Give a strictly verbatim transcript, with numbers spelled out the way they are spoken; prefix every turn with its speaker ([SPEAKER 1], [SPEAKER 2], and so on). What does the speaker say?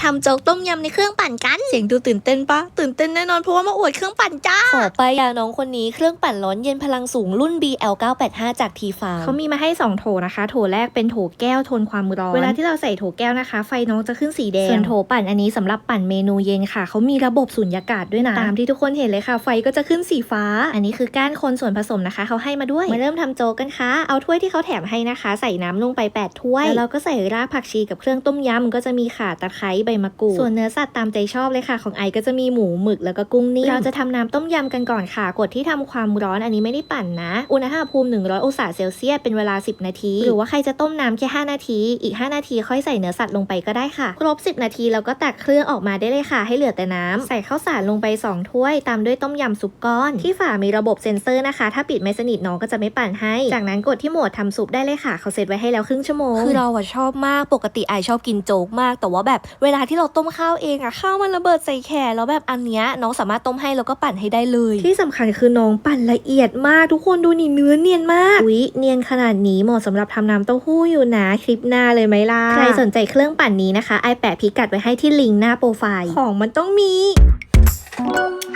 [SPEAKER 1] ทำโจ๊กต้มยำในเครื่องปั่นกันเสียงดูตื่นเต้นปะตื่นเต้นแน่นอนเพราะว่ามาอวดเครื่องปั่นจ้า
[SPEAKER 2] ขอไปยาน้องคนนี้เครื่องปั่นร้อนเย็นพลังสูงรุ่น บี แอล เก้าแปดห้า จากทีฟาร์ม
[SPEAKER 3] เขามีมาให้สองโถนะคะโถแรกเป็นโถแก้วทนความร้อนเวลาที่เราใส่โถแก้วนะคะไฟน้องจะขึ้นสีแดงส่วนโถปั่นอันนี้สำหรับปั่นเมนูเย็นค่ะเขามีระบบสุญญากาศด้วยนะตามที่ทุกคนเห็นเลยค่ะไฟก็จะขึ้นสีฟ้าอันนี้คือก้านคนส่วนผสมนะคะเขาให้มาด้วยมาเริ่มทำโจ๊กกันค่ะเอาถ้วยที่เขาแถมให้นะคะใส่น้ำลงไปแปดถ้วยแล้วเราก็ใส่รากผักชีกับเครื่องต้มยำก็จะมีข่าตะไคร้ใบมะกรูดส่วนเนื้อสัตว์ตามใจชอบเลยค่ะของไอก็จะมีหมูหมึกแล้วก็กุ้งนิ่มเราจะทำน้ำต้มยำกันก่อนค่ะกดที่ทำความร้อนอันนี้ไม่ได้ปั่นนะอุณหภูมิหนึ่งร้อยองศาเซลเซียสเป็นเวลาสิบนาทีหรือว่าใครจะต้มน้ำแค่ห้านาทีอีกห้านาทีค่อยใส่เนื้อสัตว์ลงไปก็ได้ค่ะครบสิบนาทีเราก็ตักเครื่องออกมาได้เลยค่ะให้เหลือแต่น้ำใส่ข้าวสารลงไปสองถ้วยตามด้วยต้มยำซุปก้อนที่ฝามีระบบเซ็นเซอร์นะคะถ้าปิดไม่สนิทน้องก็จะไม่ปั่นให้จากนั้นกดที่โหมดทำซุปได้เลยค่ะเขาเซตไว้ให้แล้วครึ่งชั่วโมง
[SPEAKER 2] คือเราอะชอบมากปกติไอชอบกินโจ๊กมากแต่ว่าแบบเวลาที่เราต้มข้าวเองอะข้าวมันระเบิดใส่แขนแล้วแบบอันเนี้ยน้องสามารถต้มให้แล้วก็ปั่นให้ได้เลย
[SPEAKER 3] ที่สำคัญคือน้องปั่นละเอียดมากทุกคนดูนี่เนื้อเนียนมากอุ๊ยเนียนขนาดนี้เหมาะสำหรับทำน้ำเต้าหู้อยู่นะคลิปหน้าเลยไหมล่ะใครสนใจเครื่องปั่นนี้นะคะไอแปะพิกัดไว้ให้ที่ลิงก์หน้าโปรไฟล์ของมันต้องมี